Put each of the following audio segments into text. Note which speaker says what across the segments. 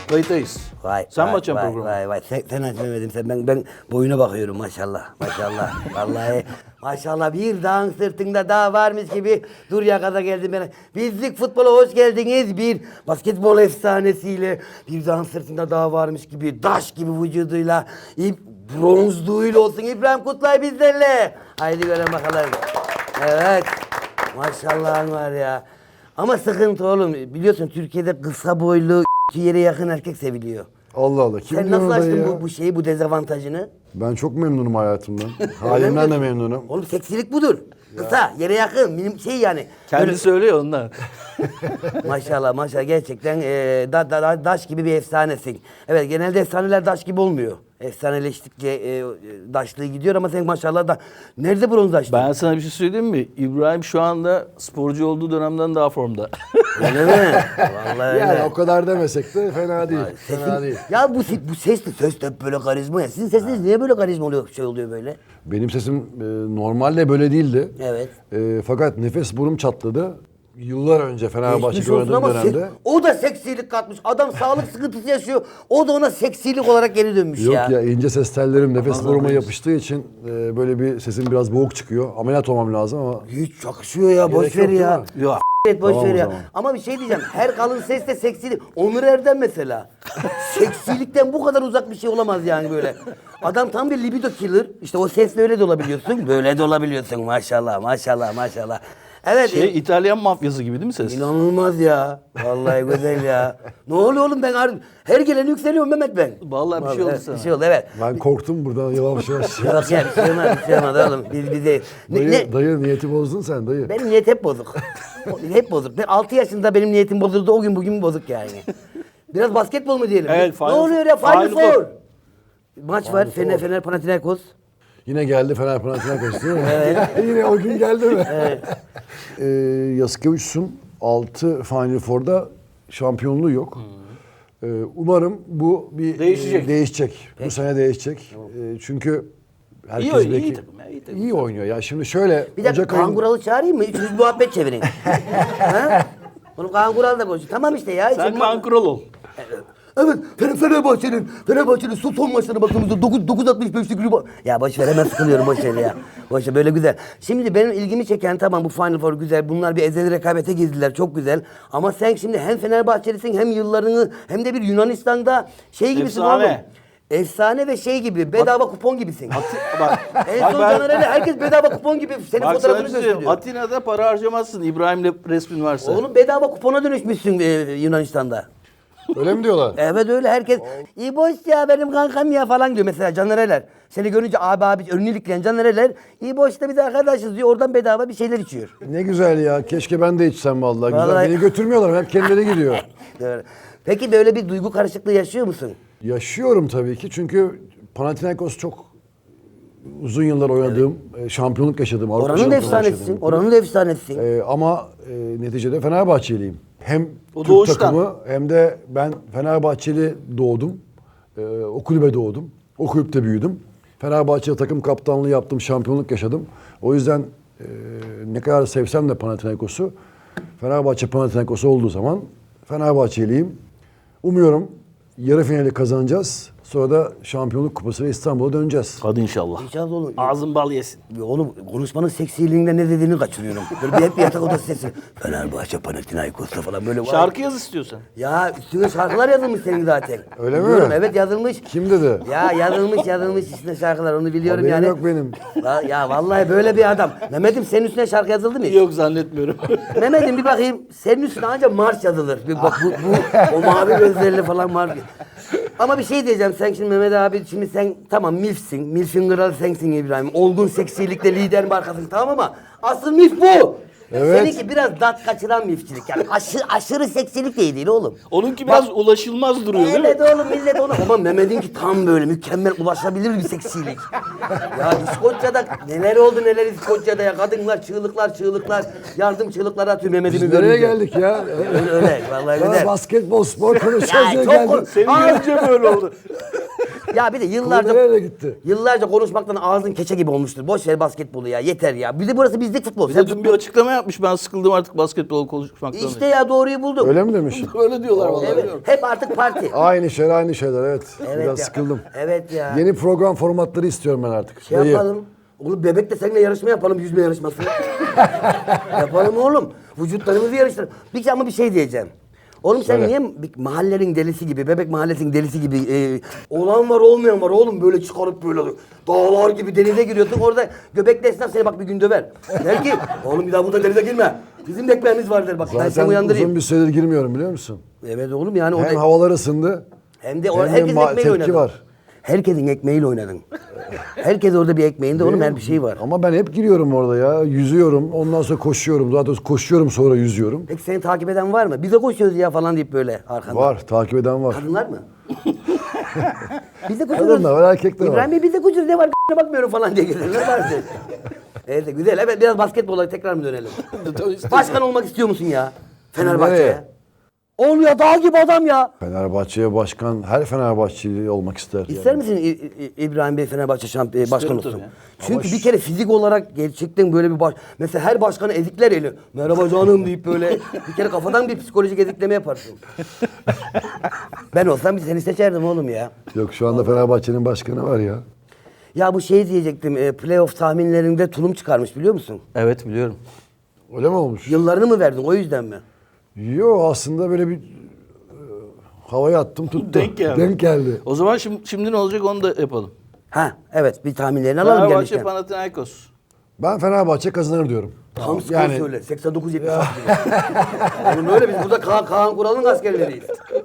Speaker 1: Kayıttayız.
Speaker 2: Vay,
Speaker 1: Sen
Speaker 2: vay,
Speaker 1: mi açacaksın
Speaker 2: vay,
Speaker 1: programı?
Speaker 2: Vay vay sen açmamadın sen ben boyuna bakıyorum maşallah maşallah vallahi maşallah bir dağın sırtında dağ varmış gibi dur ya gaza geldim ben. Bizlik futbola hoş geldiniz bir basketbol efsanesiyle bir dağın sırtında dağ varmış gibi daş gibi vücuduyla bronzluğuyla olsun İbrahim Kutlay bizlerle. Haydi görelim bakalım. Evet maşallahın var ya. Ama sıkıntı oğlum biliyorsun Türkiye'de kısa boylu yere yakın erkek seviliyor.
Speaker 3: Allah Allah. Kim
Speaker 2: Sen
Speaker 3: diyor
Speaker 2: nasıl
Speaker 3: orada
Speaker 2: açtın
Speaker 3: ya?
Speaker 2: bu şeyi, bu dezavantajını?
Speaker 3: Ben çok memnunum hayatımdan. Halimden de memnunum.
Speaker 2: Oğlum seksilik budur. Kısa, yere yakın, şey yani.
Speaker 1: Kendi söylüyor ondan.
Speaker 2: Maşallah maşallah gerçekten daş gibi bir efsanesin. Evet genelde efsaneler daş gibi olmuyor. Efsaneleştikçe daşlığı gidiyor ama sen maşallah da... Nerede bronzlaştın?
Speaker 1: Ben sana bir şey söyleyeyim mi? İbrahim şu anda sporcu olduğu dönemden daha formda.
Speaker 2: Öyle mi? Vallahi öyle.
Speaker 3: Yani o kadar demesek de fena değil.
Speaker 2: Sesin-
Speaker 3: Fena değil.
Speaker 2: Ya bu ses de hep böyle karizma ya. Sizin sesiniz niye böyle karizma oluyor, şey oluyor böyle?
Speaker 3: Benim sesim normalde böyle değildi.
Speaker 2: Evet.
Speaker 3: Fakat nefes burum çatladı. Yıllar önce
Speaker 2: Geçmiş
Speaker 3: Fenerbahçe'de
Speaker 2: olsun
Speaker 3: oynadığım
Speaker 2: ama
Speaker 3: dönemde.
Speaker 2: o da seksilik katmış. Adam sağlık sıkıntısı yaşıyor. O da ona seksilik olarak geri dönmüş
Speaker 3: Yok
Speaker 2: ya.
Speaker 3: ya ince ses tellerim nefes
Speaker 1: Allah
Speaker 3: buruma
Speaker 1: razı
Speaker 3: yapıştığı için böyle bir sesim biraz boğuk çıkıyor. Ameliyat olmam lazım ama
Speaker 2: Hiç yakışıyor ya. Boş
Speaker 3: Gerek
Speaker 2: ver
Speaker 3: yok,
Speaker 2: ya.
Speaker 3: değil mi?
Speaker 1: Yok.
Speaker 2: Evet boş
Speaker 3: Tamam
Speaker 2: ver
Speaker 3: o
Speaker 2: ya.
Speaker 3: zaman.
Speaker 2: Ama bir şey diyeceğim. Her kalın ses de seksilik. Onur Erdem mesela. Seksilikten bu kadar uzak bir şey olamaz yani böyle. Adam tam bir libido killer. İşte o sesle öyle de olabiliyorsun. Böyle de olabiliyorsun maşallah maşallah maşallah. Evet.
Speaker 1: İtalyan mafyası gibi değil mi ses?
Speaker 2: İnanılmaz ya. Vallahi güzel ya. Ne oluyor oğlum ben her geleni yükseliyorum Mehmet ben.
Speaker 1: Vallahi bir şey oldu
Speaker 2: evet,
Speaker 1: sana.
Speaker 2: Bir şey oldu evet.
Speaker 3: ben korktum buradan yavaş yavaş.
Speaker 2: Yok ya bir şey olmaz bir şey olmaz oğlum. Biz
Speaker 3: Dayı niyeti bozdun sen dayı.
Speaker 2: Benim niyet hep bozuk. Hep bozuk. Ben 6 yaşında benim niyetim bozuldu. O gün bugün bozuk yani. Biraz basketbol mu diyelim?
Speaker 1: Evet,
Speaker 2: Ne
Speaker 1: Final-
Speaker 2: oluyor ya? Final
Speaker 1: Final
Speaker 2: Four.
Speaker 1: Four.
Speaker 2: Maç var.
Speaker 3: Final
Speaker 2: Fener Panathinaikos.
Speaker 3: Yine geldi Fener Panathinaikos değil mi? Yine o gün geldi mi? Evet. Yasikevicius'un 6 Final Four'da şampiyonluğu yok. Umarım bu bir
Speaker 1: Değişecek.
Speaker 3: değişecek. Bu sene değişecek. Çünkü herkes
Speaker 1: İyi oynuyor,
Speaker 3: belki
Speaker 1: iyi takım ya, iyi takım.
Speaker 3: iyi oynuyor. Ya şimdi şöyle
Speaker 2: Bir dakika
Speaker 3: Ocak ayın-
Speaker 2: Kanguralı çağırayım mı? Üçünüz muhabbet çevirin. Ha? Onu Kanguralı da konuşuyor. Tamam işte ya.
Speaker 1: Sen
Speaker 2: Sen
Speaker 1: kan kural ol.
Speaker 2: Evet, Fenerbahçe'nin son maçlarına baktığımızda 9.65'lik riba... Ya boş ver hemen sıkılıyorum boş ver ya. Boş ver böyle güzel. Şimdi benim ilgimi çeken tamam bu Final Four güzel. Bunlar bir ezeli rekabete girdiler çok güzel. Ama sen şimdi hem Fenerbahçelisin hem yıllarını hem de bir Yunanistan'da şey gibisin
Speaker 1: Efsane.
Speaker 2: oğlum. Efsane ve şey gibi bedava kupon gibisin.
Speaker 1: Bak,
Speaker 2: En
Speaker 1: bak
Speaker 2: son
Speaker 1: ben-
Speaker 2: Caner'le herkes bedava kupon gibi senin
Speaker 1: Bak sana
Speaker 2: fotoğrafını
Speaker 1: bir şey söyleyeyim.
Speaker 2: gösteriyor.
Speaker 1: Atina'da para harcamazsın İbrahim'le resmin varsa.
Speaker 2: Oğlum bedava kupona dönüşmüşsün Yunanistan'da.
Speaker 3: Öyle mi diyorlar?
Speaker 2: Evet öyle herkes iyi boş ya benim kankam ya falan diyor mesela Canereler. Seni görünce abi önünü ilikleyen Canereler iyi boş da biz arkadaşız diyor oradan bedava bir şeyler içiyor.
Speaker 3: Ne güzel ya. Keşke ben de içsem vallahi. Güzel.
Speaker 2: Vallahi-
Speaker 3: Beni götürmüyorlar. Hep kendileri gidiyor.
Speaker 2: Doğru. Peki böyle bir duygu karışıklığı yaşıyor musun?
Speaker 3: Yaşıyorum tabii ki. Çünkü Panathinaikos çok uzun yıllar oynadığım, şampiyonluk yaşadığım, Avrupa
Speaker 2: Oranın da
Speaker 3: şampiyonluğu
Speaker 2: efsanesisin.
Speaker 3: yaşadığım.
Speaker 2: Oranın da efsanesisin.
Speaker 3: Ama neticede Fenerbahçeliyim. Hem
Speaker 1: O
Speaker 3: Türk
Speaker 1: doğuştan.
Speaker 3: takımı hem de ben Fenerbahçeli doğdum. O kulübe doğdum. O kulüpte büyüdüm. Fenerbahçe takım kaptanlığı yaptım, şampiyonluk yaşadım. O yüzden ne kadar sevsem de Panathinaikos'u, Fenerbahçe Panathinaikos olduğu zaman Fenerbahçeliyim. Umuyorum yarı finali kazanacağız. Sonra da şampiyonluk kupası ve İstanbul'a döneceğiz.
Speaker 1: Hadi inşallah.
Speaker 2: İnşallah olur.
Speaker 1: Ağzın bal yesin.
Speaker 2: Oğlum konuşmanın seksiliğinde ne dediğini kaçırıyorum. Böyle hep bir yatak odası sesi. Fenerbahçe Panathinaikos'ta falan böyle.
Speaker 1: Şarkı yaz istiyorsan.
Speaker 2: Ya üstüne şarkılar yazılmış senin zaten.
Speaker 3: Öyle mi?
Speaker 2: Biliyorum, evet yazılmış.
Speaker 3: Kim dedi?
Speaker 2: Ya yazılmış üstüne şarkılar onu biliyorum
Speaker 3: Haberim
Speaker 2: yani.
Speaker 3: yok benim.
Speaker 2: Ya vallahi böyle bir adam. Mehmet'im senin üstüne şarkı yazıldı mı hiç?
Speaker 1: Yok zannetmiyorum.
Speaker 2: Mehmet'im bir bakayım senin üstüne ancak marş yazılır. Bir bak bu o mavi gözlerle falan marş. Ama bir şey diyeceğim sen şimdi Mehmet abi şimdi sen tamam milfsin. Milfin kralı sensin İbrahim. Olgun seksilikle lider markasın tamam ama asıl milf bu.
Speaker 3: Evet.
Speaker 2: Seninki biraz dat kaçıran milfçilik yani aşırı seksilik değil oğlum.
Speaker 1: Onunki biraz ulaşılmaz duruyor değil mi?
Speaker 2: Evet oğlum millet onu. Ama Mehmet'inki tam böyle mükemmel ulaşabilir bir seksilik. Ya İskoçya'da neler oldu neler İskoçya'da ya. Kadınlar çığlıklar yardım çığlıkları atıyor Mehmet'imi
Speaker 3: Biz nereye
Speaker 2: görünce.
Speaker 3: geldik ya?
Speaker 2: Öyle vallahi
Speaker 3: Bana
Speaker 2: güzel.
Speaker 3: basketbol, spor konuşacağız
Speaker 2: Ya
Speaker 3: diye
Speaker 2: çok
Speaker 3: geldik.
Speaker 1: Senin görünce böyle oldu.
Speaker 2: Ya bir de
Speaker 3: Konu nereye gitti?
Speaker 2: yıllarca konuşmaktan ağzın keçe gibi olmuştur. Boş ver basketbolu ya. Yeter ya. Bir de burası bizlik futbol.
Speaker 1: Bir
Speaker 2: Sen
Speaker 1: de dün bir açıklama yapmış. Ben sıkıldım artık basketbol konuşmaktan.
Speaker 2: İşte ya doğruyu buldum.
Speaker 3: Öyle mi demiş?
Speaker 1: Öyle diyorlar vallahi.
Speaker 2: Evet.
Speaker 1: bilmiyorum.
Speaker 2: Hep artık parti.
Speaker 3: Aynı şeyler evet.
Speaker 2: Evet
Speaker 3: Biraz
Speaker 2: ya.
Speaker 3: sıkıldım.
Speaker 2: Evet ya.
Speaker 3: Yeni program formatları istiyorum ben artık.
Speaker 2: Şey
Speaker 3: Dayı.
Speaker 2: yapalım. Oğlum bebekle seninle yarışma yapalım. Yüzme yarışması. Yapalım oğlum. Vücutlarımızı yarıştıralım. Ama bir şey diyeceğim. Oğlum sen
Speaker 3: Söyle.
Speaker 2: niye bir mahallenin delisi gibi, bebek mahallesinin delisi gibi olan var olmayan var oğlum böyle çıkarıp böyle dağlar gibi denize giriyorsun. Orada göbekli esnaf seni bak bir gün döver. Der ki oğlum bir daha burada denize girme. Bizim de ekmeğimiz var der bak ben seni
Speaker 3: Zaten
Speaker 2: uyandırayım.
Speaker 3: uzun bir süredir girmiyorum biliyor musun?
Speaker 2: Evet oğlum yani
Speaker 3: Hem
Speaker 2: orada
Speaker 3: havalar ısındı.
Speaker 2: hem de
Speaker 3: hem de
Speaker 2: herkesin ekmeğiyle
Speaker 3: tepki
Speaker 2: oynadın.
Speaker 3: var.
Speaker 2: Herkesin ekmeğiyle oynadın. Herkes orada bir ekmeğinde oğlum her bir şey var.
Speaker 3: Ama ben hep giriyorum orada ya. Yüzüyorum. Ondan sonra koşuyorum. Daha doğrusu koşuyorum sonra yüzüyorum.
Speaker 2: Peki seni takip eden var mı? Bize koşuyoruz ya falan deyip böyle arkanda.
Speaker 3: Var. Takip eden var.
Speaker 2: Kadınlar mı? Biz de koşuyoruz.
Speaker 3: Kadın da var, erkek de var.
Speaker 2: İbrahim Bey biz de koşuyoruz ne var bakmıyorum falan diye gelirler var diye. Evet güzel. Evet biraz basketbola tekrar mı dönelim? Başkan olmak istiyor musun ya? Fenerbahçe'ye.
Speaker 3: Nereye?
Speaker 2: Ol ya dağ gibi adam ya.
Speaker 3: Fenerbahçe'ye başkan, her Fenerbahçeli olmak ister.
Speaker 2: İster misin İbrahim Bey Fenerbahçe başkan olsun?
Speaker 1: tabii ya.
Speaker 2: Çünkü bir kere fizik olarak gerçekten böyle bir mesela her başkanı ezikler eli. Merhaba canım deyip böyle bir kere kafadan bir psikolojik ezikleme yaparsın. Ben olsam seni seçerdim oğlum ya.
Speaker 3: Yok şu anda Fenerbahçe'nin başkanı var ya.
Speaker 2: Ya bu şey diyecektim. Playoff tahminlerinde tulum çıkarmış biliyor musun?
Speaker 1: Evet biliyorum.
Speaker 3: Öyle mi olmuş?
Speaker 2: Yıllarını mı verdin o yüzden mi?
Speaker 3: Yok aslında böyle bir havaya attım tuttu.
Speaker 1: Denk geldi.
Speaker 3: Denk geldi.
Speaker 1: O zaman şimdi ne olacak onu da yapalım.
Speaker 2: Ha evet bir tahminlerini alalım
Speaker 1: Fenerbahçe
Speaker 2: gelmişken.
Speaker 1: Panathinaikos.
Speaker 3: Ben Fenerbahçe kazanır diyorum.
Speaker 2: Tam skor
Speaker 3: Yani
Speaker 2: söyle. 89-76 gibi. Oğlum öyle biz burada Kaan Kural'ın askerleriyiz.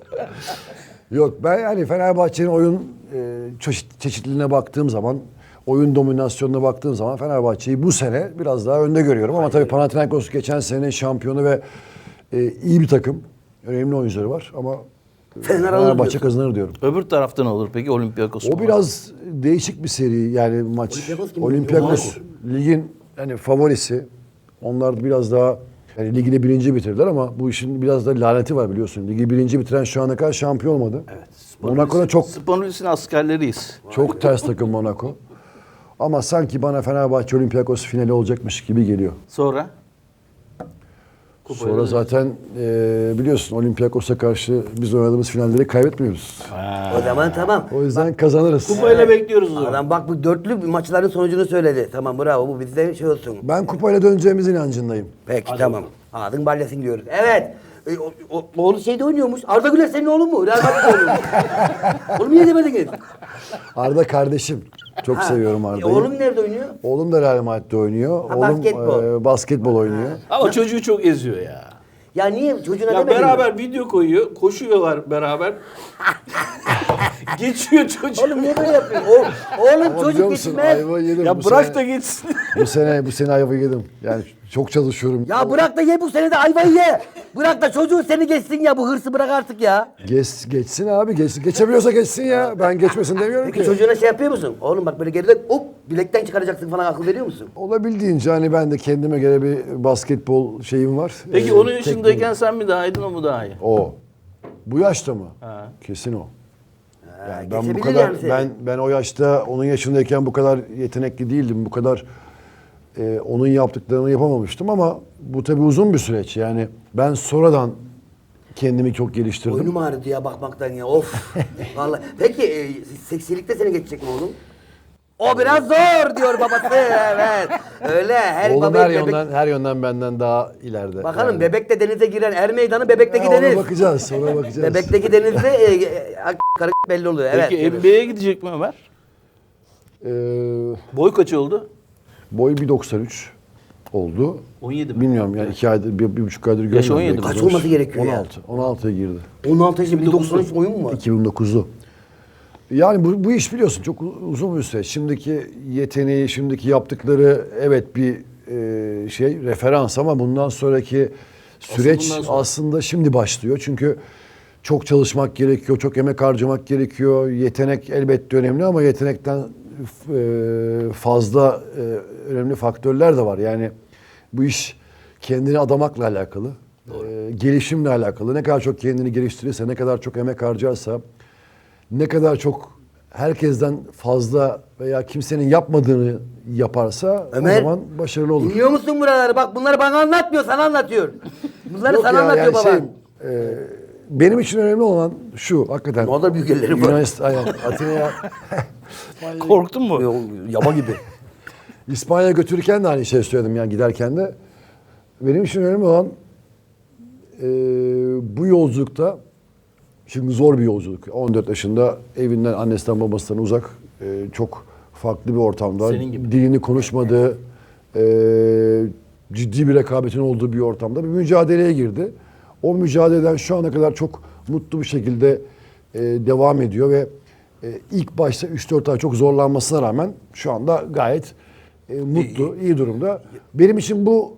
Speaker 3: yok ben yani Fenerbahçe'nin oyun çeşitliliğine baktığım zaman, oyun dominasyonuna baktığım zaman Fenerbahçe'yi bu sene biraz daha önde görüyorum. Ama tabii Panathinaikos geçen sene şampiyonu ve iyi bir takım. Önemli oyuncuları var ama Fenerbahçe
Speaker 2: diyorsun.
Speaker 3: kazanır diyorum.
Speaker 1: Öbür tarafta ne olur peki Olympiakos?
Speaker 3: O biraz değişik bir seri yani maç.
Speaker 2: Olympiakos kim?
Speaker 3: Olympiakos ligin yani favorisi. Onlar biraz daha yani ligini birinci bitirdiler ama bu işin biraz da laneti var biliyorsun. Ligi birinci bitiren şu ana kadar şampiyon olmadı.
Speaker 1: Evet.
Speaker 3: Monaco'da
Speaker 1: Spanulis'in askerleriyiz.
Speaker 3: çok ters takım Monaco. Ama sanki bana Fenerbahçe Olympiakos finali olacakmış gibi geliyor.
Speaker 1: Sonra?
Speaker 3: Sonra zaten biliyorsun Olympiakos'a karşı biz oynadığımız finalleri kaybetmiyoruz.
Speaker 2: O zaman tamam.
Speaker 3: O yüzden kazanırız.
Speaker 1: Kupayla bekliyoruz o zaman.
Speaker 2: Adam bak bu dörtlü maçların sonucunu söyledi. Tamam bravo bu bizde şey olsun.
Speaker 3: Ben kupayla döneceğimiz inancındayım.
Speaker 2: Peki tamam. Ağzın balyasın diyoruz. Evet. Oğlu şeyde oynuyormuş. Arda Güler senin oğlun mu? Real Madrid'de oynuyormuş. Oğlum niye demediniz?
Speaker 3: Arda kardeşim. Çok seviyorum Arda'yı.
Speaker 2: Oğlum nerede oynuyor?
Speaker 3: Oğlum da Real Madrid'de oynuyor.
Speaker 2: Ha,
Speaker 3: Oğlum
Speaker 2: basketbol.
Speaker 3: basketbol oynuyor.
Speaker 1: Ama çocuğu çok eziyor ya.
Speaker 2: Ya niye çocuğuna
Speaker 1: Ya
Speaker 2: demedin mi?
Speaker 1: beraber video koyuyor, koşuyorlar beraber. Geçiyor çocuk.
Speaker 2: Oğlum niye böyle yapıyorsun? Oğlum
Speaker 3: Ama biliyor
Speaker 2: çocuk
Speaker 3: musun
Speaker 2: geçmez.
Speaker 3: ayva yedim.
Speaker 1: Ya
Speaker 3: bu
Speaker 1: bırak
Speaker 3: sene,
Speaker 1: da geçsin.
Speaker 3: bu sene ayva yedim. Yani çok çalışıyorum.
Speaker 2: Ya bırak da ye bu sene de ayvayı ye. Bırak da çocuğun seni geçsin ya. Bu hırsı bırak artık ya.
Speaker 3: Geçsin abi geçsin. Geçebiliyorsa geçsin ya. Ben geçmesin demiyorum
Speaker 2: Peki
Speaker 3: ki.
Speaker 2: çocuğuna şey yapıyor musun? Oğlum bak böyle geride hop bilekten çıkaracaksın falan akıl veriyor musun?
Speaker 3: Olabildiğince hani ben de kendime göre bir basketbol şeyim var.
Speaker 1: Peki onun yaşındayken sen mi daha iyiydin o mu daha iyi?
Speaker 3: O. Bu yaşta mı?
Speaker 1: Ha.
Speaker 3: Kesin o. Yani ben bu
Speaker 2: geçebilir
Speaker 3: kadar
Speaker 2: yani seni.
Speaker 3: ben o yaşta onun yaşındayken bu kadar yetenekli değildim. Bu kadar onun yaptıklarını yapamamıştım ama bu tabii uzun bir süreç. Yani ben sonradan kendimi çok geliştirdim.
Speaker 2: Boynum ağrıdı ya bakmaktan ya of. Vallahi. Peki seksilikte seni geçecek mi oğlum? O biraz zor diyor babası evet. Öyle her
Speaker 3: Oğlum
Speaker 2: baba
Speaker 3: her yönden benden daha ileride.
Speaker 2: Bakalım
Speaker 3: Yani.
Speaker 2: bebekte denize giren er meydanı bebekteki
Speaker 3: Ona
Speaker 2: deniz.
Speaker 3: bakacağız, sonra bakacağız.
Speaker 2: Bebekteki denizde karı belli oluyor. Evet.
Speaker 1: Peki NBA'ye gidecek mi Ömer?
Speaker 3: Ee,
Speaker 1: Boy kaç oldu?
Speaker 3: boy 1.93 oldu.
Speaker 1: 17 mi?
Speaker 3: Bilmiyorum yani 2 aydır, bir buçuk aydır görmüyorum.
Speaker 1: Yaşı 17
Speaker 3: belki
Speaker 2: Kaç
Speaker 3: olmuş.
Speaker 2: olması gerekiyor ya?
Speaker 3: 16'ya girdi.
Speaker 2: 16 yaşında 193 oyun mu var?
Speaker 3: 2009'lu. Yani bu iş biliyorsun çok uzun bir süreç. Şimdiki yeteneği, şimdiki yaptıkları evet bir referans ama bundan sonraki süreç
Speaker 1: bundan sonra.
Speaker 3: aslında şimdi başlıyor. Çünkü çok çalışmak gerekiyor, çok emek harcamak gerekiyor. Yetenek elbette önemli ama yetenekten fazla önemli faktörler de var. Yani bu iş kendini adamakla alakalı, gelişimle alakalı. Ne kadar çok kendini geliştirirse, ne kadar çok emek harcarsa, ne kadar çok herkesten fazla veya kimsenin yapmadığını yaparsa
Speaker 2: Ömer,
Speaker 3: o zaman başarılı olur.
Speaker 2: Dinliyor musun buraları? Bak bunları bana anlatmıyor, sana anlatıyor. Bunları
Speaker 3: Yok
Speaker 2: sana
Speaker 3: ya,
Speaker 2: anlatıyor
Speaker 3: yani
Speaker 2: baban.
Speaker 3: benim için önemli olan şu hakikaten.
Speaker 2: Ne kadar büyük elleri var.
Speaker 3: Yunanistan, aynen, Atina'ya
Speaker 1: Korktun mu?
Speaker 2: Yaba gibi.
Speaker 3: İspanya'ya götürürken de aynı şey söyledim yani giderken de. Benim için önemli olan bu yolculukta, şimdi zor bir yolculuk. 14 yaşında evinden, annesinden, babasından uzak, çok farklı bir ortamda.
Speaker 1: Senin gibi.
Speaker 3: Dilini konuşmadığı, ciddi bir rekabetin olduğu bir ortamda bir mücadeleye girdi. O mücadeleden şu ana kadar çok mutlu bir şekilde devam ediyor ve ilk başta 3-4 ay çok zorlanmasına rağmen şu anda gayet mutlu, iyi durumda. Benim için bu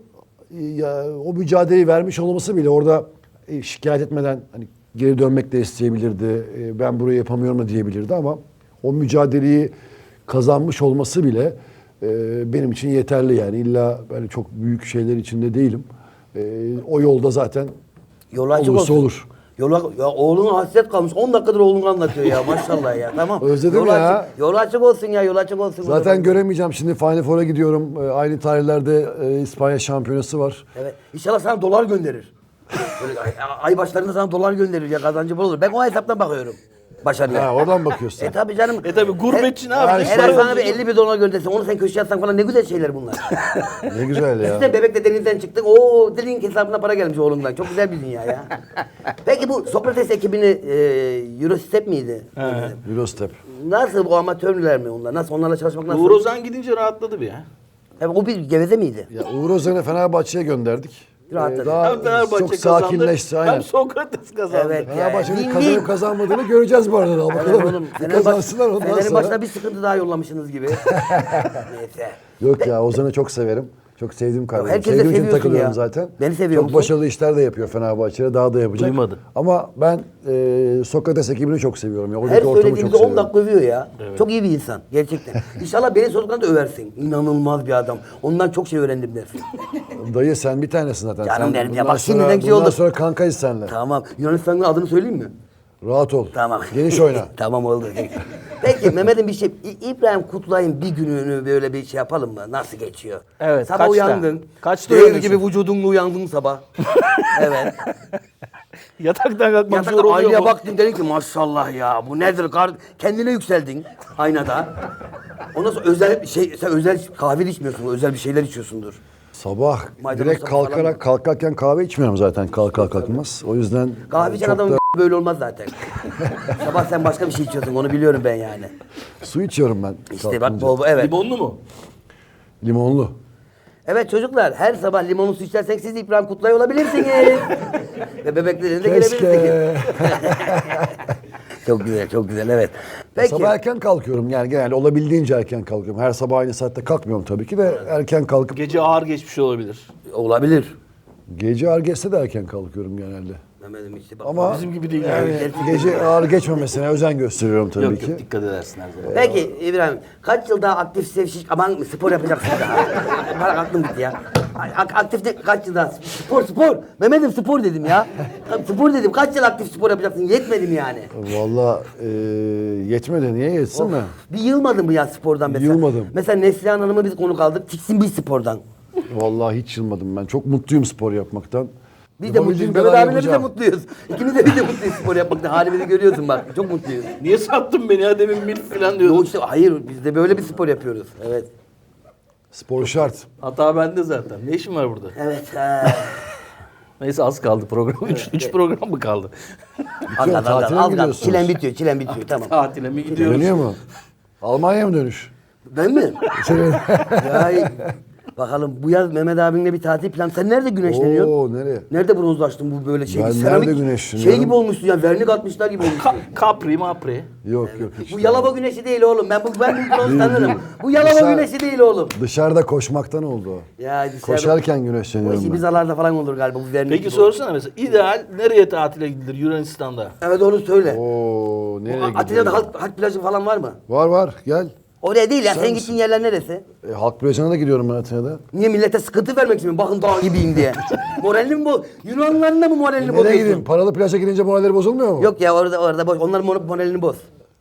Speaker 3: o mücadeleyi vermiş olması bile orada şikayet etmeden hani geri dönmek de isteyebilirdi. Ben burayı yapamıyorum da diyebilirdi ama o mücadeleyi kazanmış olması bile benim için yeterli yani. İlla böyle çok büyük şeyler içinde değilim. O yolda zaten
Speaker 2: Yolu açık
Speaker 3: olursa
Speaker 2: olsun.
Speaker 3: olur.
Speaker 2: Ya oğluna hasret kalmış. 10 dakikadır oğlunu anlatıyor ya maşallah ya. Tamam.
Speaker 3: Özledim
Speaker 2: Yolu
Speaker 3: ya.
Speaker 2: Açık, yolu açık olsun ya, yolu açık olsun.
Speaker 3: Zaten göremeyeceğim. Şimdi Final Four'a gidiyorum. Aynı tarihlerde İspanya şampiyonası var.
Speaker 2: Evet. İnşallah sana dolar gönderir. Böyle ay başlarında sana dolar gönderir ya, kazancı bol olur. Ben o hesaptan bakıyorum başarıya.
Speaker 3: Ha, oradan bakıyorsun.
Speaker 2: Tabii canım.
Speaker 1: Tabii gurbetçi ne yapacak?
Speaker 2: Her ay sana bir 50 bin dolar göndersin. Onu sen köşeye atsan falan, ne güzel şeyler bunlar.
Speaker 3: Ne güzel ya.
Speaker 2: Siz de bebekle denizden çıktık. Oo, dilin hesabına para gelmiş oğlumdan. Çok güzel bir dünya ya. Peki bu Sokrates ekibini Eurostep miydi?
Speaker 3: Eurostep.
Speaker 2: Nasıl, bu amatörler mi onlar? Nasıl, onlarla çalışmak nasıl?
Speaker 1: Uğur Ozan gidince rahatladı bir ya.
Speaker 2: Evet, o bir geveze miydi?
Speaker 3: Ya Uğur Özen'i Fenerbahçe'ye gönderdik.
Speaker 2: Rahatladı.
Speaker 3: Daha
Speaker 1: Hem Fenerbahçe
Speaker 3: çok
Speaker 1: kazandı,
Speaker 3: sakinleşti. Aynen.
Speaker 1: hem Sokrates kazandı.
Speaker 2: Evet.
Speaker 3: Fenerbahçe'nin
Speaker 2: Win-win.
Speaker 3: kazanıp kazanmadığını göreceğiz bu arada.
Speaker 2: Evet
Speaker 3: Bakalım.
Speaker 2: oğlum,
Speaker 3: Bir kazansınlar ondan
Speaker 2: Fener'in
Speaker 3: sonra.
Speaker 2: başına bir sıkıntı daha yollamışsınız gibi. Neyse.
Speaker 3: Yok ya, Ozan'ı çok severim. Çok sevdiğim kardeşim.
Speaker 2: Herkes de
Speaker 3: Sevdiğim için
Speaker 2: seviyorsun
Speaker 3: takılıyorum
Speaker 2: ya.
Speaker 3: zaten.
Speaker 2: Beni seviyor
Speaker 3: Çok
Speaker 2: musun?
Speaker 3: başarılı işler de yapıyor Fenerbahçe'de. Daha da yapacak.
Speaker 1: Duymadı.
Speaker 3: Ama ben Sokrates ekibini çok seviyorum. Ya.
Speaker 2: Her
Speaker 3: Oradaki ortamı çok
Speaker 2: söylediğimizde 10
Speaker 3: seviyorum.
Speaker 2: dakika övüyor ya. Çok iyi bir insan gerçekten. İnşallah beni sorduklarında da översin. İnanılmaz bir adam. Ondan çok şey öğrendim dersin.
Speaker 3: Dayı sen bir tanesin zaten.
Speaker 2: Canım
Speaker 3: Sen
Speaker 2: benim ya,
Speaker 3: bundan
Speaker 2: bak
Speaker 3: sonra-
Speaker 2: şimdiden şey
Speaker 3: bundan
Speaker 2: oldu.
Speaker 3: sonra kankayız seninle.
Speaker 2: Tamam. Yunanistan'ın adını söyleyeyim mi?
Speaker 3: Rahat ol.
Speaker 2: Tamam.
Speaker 3: Geniş oyna.
Speaker 2: Tamam oldu. Peki Mehmet'in bir şey, İbrahim Kutlay'ın bir gününü böyle bir şey yapalım mı? Nasıl geçiyor?
Speaker 1: Evet,
Speaker 2: Sabah
Speaker 1: kaçta?
Speaker 2: uyandın.
Speaker 1: Kaçta
Speaker 2: Dev
Speaker 1: uyanıyorsun?
Speaker 2: gibi vücudunla uyandın sabah. Evet.
Speaker 1: Yataktan kalkmak zor
Speaker 2: Yatakta
Speaker 1: oluyor
Speaker 2: aynaya
Speaker 1: mu?
Speaker 2: baktın, dedin ki maşallah ya bu nedir? Kendine yükseldin aynada. Ondan sonra özel bir şey, sen özel kahve içmiyorsun, özel bir şeyler içiyorsundur.
Speaker 3: Sabah
Speaker 2: Maydanoz
Speaker 3: direkt
Speaker 2: falan mı?
Speaker 3: kalkarken kahve içmiyorum zaten kalkmaz. O yüzden
Speaker 2: Kahve içen
Speaker 3: çok
Speaker 2: adamın
Speaker 3: da
Speaker 2: böyle olmaz zaten. Sabah sen başka bir şey içiyorsun, onu biliyorum ben yani.
Speaker 3: su içiyorum ben.
Speaker 2: İşte bak
Speaker 3: kalkınca.
Speaker 2: bol evet.
Speaker 1: Limonlu mu?
Speaker 3: Limonlu.
Speaker 2: Evet çocuklar, her sabah limonlu su içersek siz de İbrahim Kutlay olabilirsiniz. Ve bebeklerine de
Speaker 3: Keşke.
Speaker 2: gelebilirsiniz. Çok güzel, çok güzel, evet. Peki,
Speaker 3: Sabah erken kalkıyorum yani genelde olabildiğince erken kalkıyorum. Her sabah aynı saatte kalkmıyorum tabii ki de erken kalkıp
Speaker 1: Gece ağır geçmiş olabilir.
Speaker 2: olabilir.
Speaker 3: gece ağır geçse de erken kalkıyorum genelde.
Speaker 2: Mehmet'im işte bak.
Speaker 3: Ama
Speaker 1: Bizim gibi değil
Speaker 3: yani
Speaker 2: yani.
Speaker 3: gece ağır geçmemesine özen gösteriyorum tabii
Speaker 1: Yok
Speaker 3: ki.
Speaker 1: yok, dikkat edersin her zaman.
Speaker 2: Peki İbrahim, kaç yıl daha aktif aman spor yapacaksın daha? Bana aklım gitti ya. Kaç yıl daha? Spor. Mehmet'im spor dedim ya. Spor dedim, kaç yıl aktif spor yapacaksın? Yetmedi mi yani?
Speaker 3: Valla yetmedi, niye yetsin mi?
Speaker 2: Bir yılmadın mı ya spordan mesela?
Speaker 3: Yılmadım.
Speaker 2: Mesela Neslihan Hanım'ı biz konuk aldık, tiksin bir spordan.
Speaker 3: Vallahi hiç yılmadım ben. Çok mutluyum spor yapmaktan.
Speaker 2: Biz de
Speaker 3: Yapabildiğim
Speaker 2: mutluyuz.
Speaker 3: kadar
Speaker 2: Mehmet abiyle biz de
Speaker 3: yapacağım.
Speaker 2: mutluyuz. İkimiz de biz de mutluyuz spor yapmaktan. Halimizi görüyorsun bak. Çok mutluyuz.
Speaker 1: Niye sattın beni ya, demin milf falan diyordun.
Speaker 2: Yok işte hayır, biz de böyle bir spor yapıyoruz. Evet.
Speaker 3: Spor şart.
Speaker 1: Hata bende zaten. Ne işin var burada?
Speaker 2: Evet.
Speaker 1: Neyse az kaldı program. Üç program mı kaldı?
Speaker 2: Az
Speaker 3: Bitiyor,
Speaker 2: kaldı,
Speaker 3: tatile
Speaker 2: az
Speaker 3: mi
Speaker 2: kaldı.
Speaker 3: gidiyorsunuz?
Speaker 2: Çilen bitiyor. Tamam.
Speaker 1: Tatile mi gidiyoruz?
Speaker 3: Dönüyor mu? Almanya'ya mı dönüş?
Speaker 2: Ben mi? ya, bakalım bu yaz Mehmet abinle bir tatil plan. Sen nerede güneşleniyorsun?
Speaker 3: Oo, nereye?
Speaker 2: Nerede bronzlaştın bu böyle şey?
Speaker 3: Ben
Speaker 2: seramik
Speaker 3: nerede güneşleniyorum?
Speaker 2: Şey gibi olmuşsun ya, vernik atmışlar gibi olmuşsun.
Speaker 1: Capri mapri.
Speaker 3: Yok yok. hiç
Speaker 2: Bu
Speaker 3: değil.
Speaker 2: Yalova güneşi değil oğlum. Ben bu bronz tanırım. Bu Yalova
Speaker 3: Dışarı-
Speaker 2: güneşi değil oğlum.
Speaker 3: Dışarıda koşmaktan oldu o.
Speaker 2: Ya dışarıda-
Speaker 3: Koşarken
Speaker 2: Bu
Speaker 3: güneşleniyorum
Speaker 2: işi
Speaker 3: ben.
Speaker 2: bizalarda falan olur galiba bu vernik.
Speaker 1: Peki
Speaker 2: gibi.
Speaker 1: sorsana mesela, ideal nereye tatile gidilir Yunanistan'da?
Speaker 2: Evet onu söyle.
Speaker 3: Oo, nereye
Speaker 2: Atina'da
Speaker 3: gidiyoruz?
Speaker 2: halk plajı falan var mı?
Speaker 3: Var gel.
Speaker 2: Oraya değil ya.
Speaker 3: Sen
Speaker 2: Sen
Speaker 3: misin?
Speaker 2: gittiğin yerler neresi?
Speaker 3: Halk plajına da gidiyorum ben Atina'da.
Speaker 2: Niye millete sıkıntı vermek için mi? Bakın dağ gibiyim diye. Moralini mi bu? Yunanlıların da mı moralini
Speaker 3: Nereye
Speaker 2: bozuyorsun?
Speaker 3: gideyim? Paralı plaja gidince moralleri bozulmuyor mu?
Speaker 2: Yok ya orada boş. Onların moralini boz.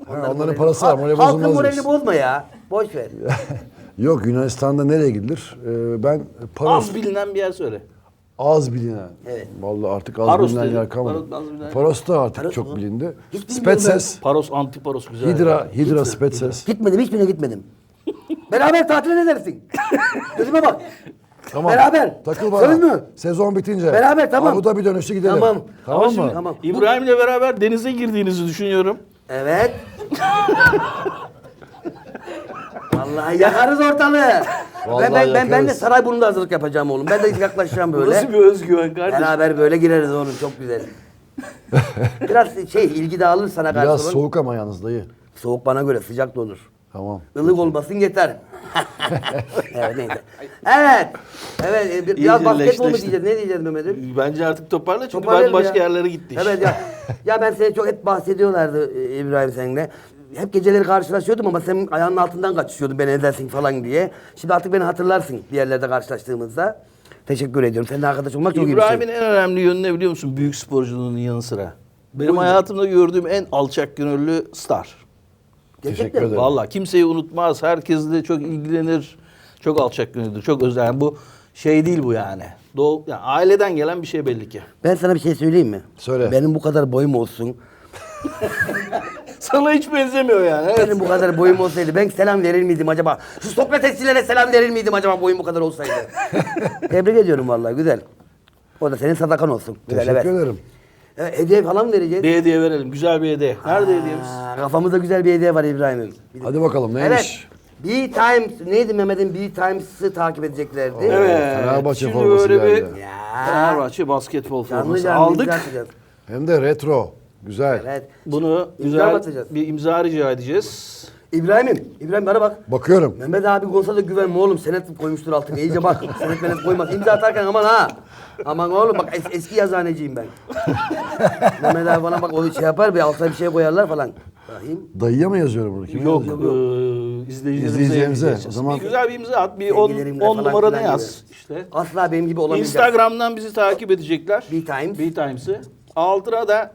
Speaker 3: onların
Speaker 2: moralini-
Speaker 3: parası var, morali
Speaker 2: Halkın
Speaker 3: bozulmaz
Speaker 2: moralini
Speaker 3: biz.
Speaker 2: bozma ya. Boş ver.
Speaker 3: Yok, Yunanistan'da nereye gidilir? Ben Paros,
Speaker 1: Az bilinen bir yer söyle.
Speaker 3: az bilinen.
Speaker 2: Evet.
Speaker 3: Vallahi artık az
Speaker 1: Paros
Speaker 3: bilinen
Speaker 1: dedim.
Speaker 3: yer kalmadı.
Speaker 1: Az bilinen.
Speaker 3: Paros da artık
Speaker 2: Paros
Speaker 3: çok
Speaker 2: mu?
Speaker 3: bilindi.
Speaker 2: Hiç bilmiyorum
Speaker 3: Spetses,
Speaker 1: Paros, Antiparos güzel.
Speaker 3: Hidra Spetses.
Speaker 2: Gitmedim, hiçbirine gitmedim. Beraber tatile ne dersin? Gözüme bak.
Speaker 3: Tamam.
Speaker 2: Beraber.
Speaker 3: Takıl bana.
Speaker 2: Söz mü?
Speaker 3: Sezon bitince.
Speaker 2: Beraber, tamam.
Speaker 3: Abu Dhabi dönüşü gidelim.
Speaker 2: Tamam.
Speaker 3: Tamam
Speaker 1: Ama
Speaker 3: mı?
Speaker 1: şimdi
Speaker 2: Tamam.
Speaker 1: İbrahim'le beraber denize girdiğinizi düşünüyorum.
Speaker 2: Evet. Vallahi yakarız ortalığı.
Speaker 3: Vallahi
Speaker 2: Ben de
Speaker 3: yakarız.
Speaker 2: Sarayburnu'nda hazırlık yapacağım oğlum. Ben de yaklaşacağım böyle.
Speaker 1: Nasıl bir özgüven kardeşim?
Speaker 2: Beraber böyle gireriz oğlum, çok güzel. Biraz ilgi dağılır sana karşı.
Speaker 3: Biraz
Speaker 2: oğlum.
Speaker 3: soğuk ama yalnız dayı.
Speaker 2: Soğuk bana göre, sıcak da olur.
Speaker 3: Tamam.
Speaker 2: Ilık olmasın yeter. Evet, neyse. Evet. Evet, biraz
Speaker 1: İyice
Speaker 2: basketbol mu
Speaker 1: leşleşti.
Speaker 2: diyeceğiz? Ne diyeceğiz Mehmet'im?
Speaker 1: Bence artık toparla çünkü
Speaker 2: Toparlayalım
Speaker 1: başka
Speaker 2: ya.
Speaker 1: yerlere gitti iş.
Speaker 2: Evet ya. Ya ben seni çok hep bahsediyorlardı İbrahim seninle. Hep geceleri karşılaşıyordum ama sen ayağının altından kaçışıyordun beni edersin falan diye. Şimdi artık beni hatırlarsın bir yerlerde karşılaştığımızda. Teşekkür ediyorum. Seninle arkadaş olmak çok iyi bir
Speaker 1: İbrahim'in
Speaker 2: şey.
Speaker 1: en önemli yönü ne biliyor musun? Büyük sporculuğunun yanı sıra. Benim
Speaker 2: Buyurun.
Speaker 1: hayatımda gördüğüm en alçak gönüllü star.
Speaker 3: Teşekkür
Speaker 2: Gerçekten mi?
Speaker 3: ederim.
Speaker 1: Vallahi kimseyi unutmaz. Herkesle çok ilgilenir. Çok alçak gönüllüdür. Çok özel. Yani bu şey değil bu yani. Yani aileden gelen bir şey belli ki.
Speaker 2: Ben sana bir şey söyleyeyim mi?
Speaker 3: Söyle.
Speaker 2: Benim bu kadar boyum olsun.
Speaker 1: Sana hiç benzemiyor yani. Evet.
Speaker 2: Benim bu kadar boyum olsaydı ben selam verir miydim acaba? Şu Sokratesçilere selam verir miydim acaba boyum bu kadar olsaydı? Tebrik ediyorum vallahi, güzel. O da senin sadakan olsun. Güzel,
Speaker 3: Teşekkür
Speaker 2: evet.
Speaker 3: ederim.
Speaker 2: Evet, hediye falan mı vereceğiz?
Speaker 1: Bir hediye verelim. Güzel bir hediye. Nerede hediyemiz?
Speaker 2: Kafamızda güzel bir hediye var İbrahim'im.
Speaker 3: Hadi bakalım neymiş?
Speaker 2: Evet. B-Times, neydi Mehmet'in B-Times'ı takip edeceklerdi.
Speaker 1: Evet.
Speaker 3: Fenerbahçe
Speaker 1: Şimdi
Speaker 3: forması
Speaker 1: böyle bir
Speaker 3: geldi.
Speaker 2: Ya.
Speaker 1: Fenerbahçe basketbol
Speaker 2: Canlı
Speaker 1: forması
Speaker 2: canlı
Speaker 1: aldık.
Speaker 2: imza atacağız.
Speaker 3: Hem de retro. Güzel.
Speaker 2: Evet.
Speaker 1: Bunu
Speaker 2: İmza
Speaker 1: güzel
Speaker 2: atacağız.
Speaker 1: bir imza rica edeceğiz.
Speaker 2: İbrahim bana bak.
Speaker 3: Bakıyorum.
Speaker 2: Mehmet abi konsa da güvenme oğlum. Senet koymuştur altına. İyice bak. Senet menet koymaz. İmza atarken aman ha. Aman oğlum bak, eski yazıhaneciyim ben. Mehmet abi bana bak, o şey yapar, bir altına bir şey koyarlar falan. Bakayım.
Speaker 3: Dayıya mı yazıyorum bunu? Kime
Speaker 1: Yok,
Speaker 3: yazıyorum?
Speaker 1: izleyicilerimize
Speaker 3: İzleyicilerimize.
Speaker 1: yazacağız.
Speaker 3: O zaman-
Speaker 1: Bir güzel bir imza at. Bir 10
Speaker 2: Sevgilerimle falan
Speaker 1: numaranı
Speaker 2: filan
Speaker 1: yaz.
Speaker 2: gibi.
Speaker 1: İşte.
Speaker 2: Asla benim gibi olamayacak.
Speaker 1: Instagram'dan bizi takip edecekler.
Speaker 2: B-Times.
Speaker 1: B-Times'ı. Altına da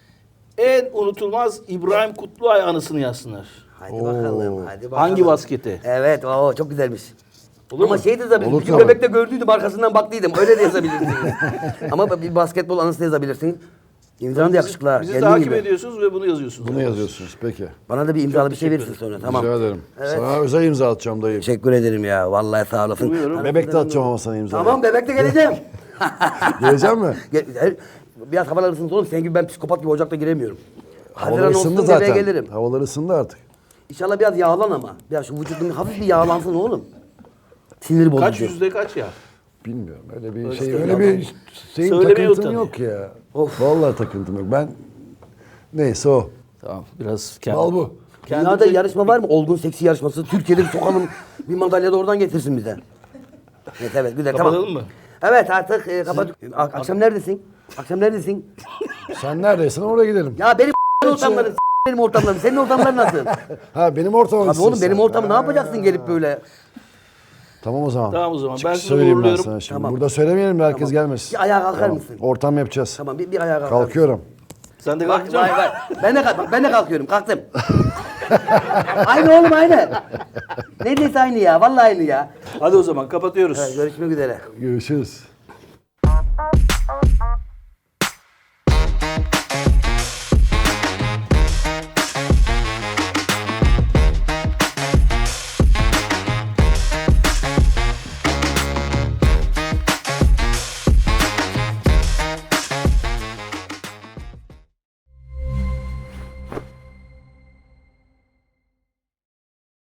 Speaker 1: en unutulmaz İbrahim Kutluay anısını yazsınlar.
Speaker 2: Hadi bakalım, hadi bakalım.
Speaker 1: Hangi basketi?
Speaker 2: Evet, o çok güzelmiş.
Speaker 1: Olur
Speaker 2: Ama
Speaker 1: mu?
Speaker 2: şey de yazabilirsiniz.
Speaker 3: Olur
Speaker 2: Bir gün
Speaker 3: tabii.
Speaker 2: bebekte gördüydüm, arkasından baktıydım. Öyle de yazabilirsiniz. Ama bir basketbol anısı da yazabilirsiniz. İmzan da yakışıklı ha.
Speaker 1: Bizi
Speaker 2: Kendin
Speaker 1: takip
Speaker 2: gibi.
Speaker 1: ediyorsunuz ve bunu yazıyorsunuz.
Speaker 3: Bunu yazıyorsunuz. Peki.
Speaker 2: Bana da bir imzalı bir şey
Speaker 1: teşekkür
Speaker 2: verirsin sonra. Tamam.
Speaker 3: Rica ederim.
Speaker 2: Evet.
Speaker 3: Sana özel imza atacağım dayı.
Speaker 2: Teşekkür ederim ya. Vallahi sağ olasın.
Speaker 1: Buyurun.
Speaker 3: Bebek de atacağım ama sana imza.
Speaker 2: Tamam, bebekte geleceğim.
Speaker 3: Gelecek mi?
Speaker 2: Biraz havalar ısınsın oğlum. Senin gibi ben psikopat gibi ocakta giremiyorum.
Speaker 3: Havalar
Speaker 2: Haziran
Speaker 3: ısındı
Speaker 2: olsun bebeğe
Speaker 3: zaten.
Speaker 2: gelirim.
Speaker 3: Havalar ısındı artık.
Speaker 2: İnşallah biraz yağlan ama. Biraz şu vücudun hafif bir yağlansın oğlum. Sinir bozucu.
Speaker 1: Kaç yüzde kaç ya?
Speaker 3: Bilmiyorum. Öyle bir
Speaker 1: Öyle
Speaker 3: şey,
Speaker 1: değil
Speaker 3: öyle
Speaker 1: ama.
Speaker 3: bir şeyin
Speaker 1: Söylemeye
Speaker 3: takıntım
Speaker 1: utanıyor.
Speaker 3: yok ya.
Speaker 2: Of.
Speaker 3: Vallahi takıntım yok. Ben neyse o.
Speaker 1: Tamam biraz kendi.
Speaker 3: Al bu.
Speaker 2: Dünyada yarışma var mı? Olgun seksi yarışması. Türkiye'de bir sokalım. Bir madalya da oradan getirsin bize. Evet, evet, güzel, tamam.
Speaker 1: Kapatalım mı?
Speaker 2: Evet, artık kapat. Akşam neredesin? Akşam neredesin?
Speaker 3: Sen neredeysen oraya gidelim.
Speaker 2: Ya benim ortamlarım, benim ortamlarım. Senin ortamların nasıl?
Speaker 3: Ha benim ortamım.
Speaker 2: Abi oğlum, benim ortamı ne yapacaksın gelip böyle?
Speaker 3: Tamam o zaman.
Speaker 1: Tamam o zaman. Ben
Speaker 3: Çıkış
Speaker 1: sizi
Speaker 3: söyleyeyim ben
Speaker 1: uğurluyorum.
Speaker 3: sana şimdi.
Speaker 2: Tamam.
Speaker 3: Burada söylemeyelim de herkes gelmesin.
Speaker 2: Bir ayağa kalkar
Speaker 3: Tamam.
Speaker 2: mısın?
Speaker 3: Ortam yapacağız.
Speaker 2: Tamam, bir ayağa kalkar.
Speaker 3: Kalkıyorum.
Speaker 1: Sen de
Speaker 2: Bak,
Speaker 1: kalkacaksın.
Speaker 2: vay vay. Ben de kalkıyorum. Kalktım. Aynı oğlum, aynı. Neredeyse aynı ya. Vallahi aynı ya.
Speaker 1: Hadi o zaman kapatıyoruz.
Speaker 2: Evet, görüşmek üzere.
Speaker 3: Görüşürüz.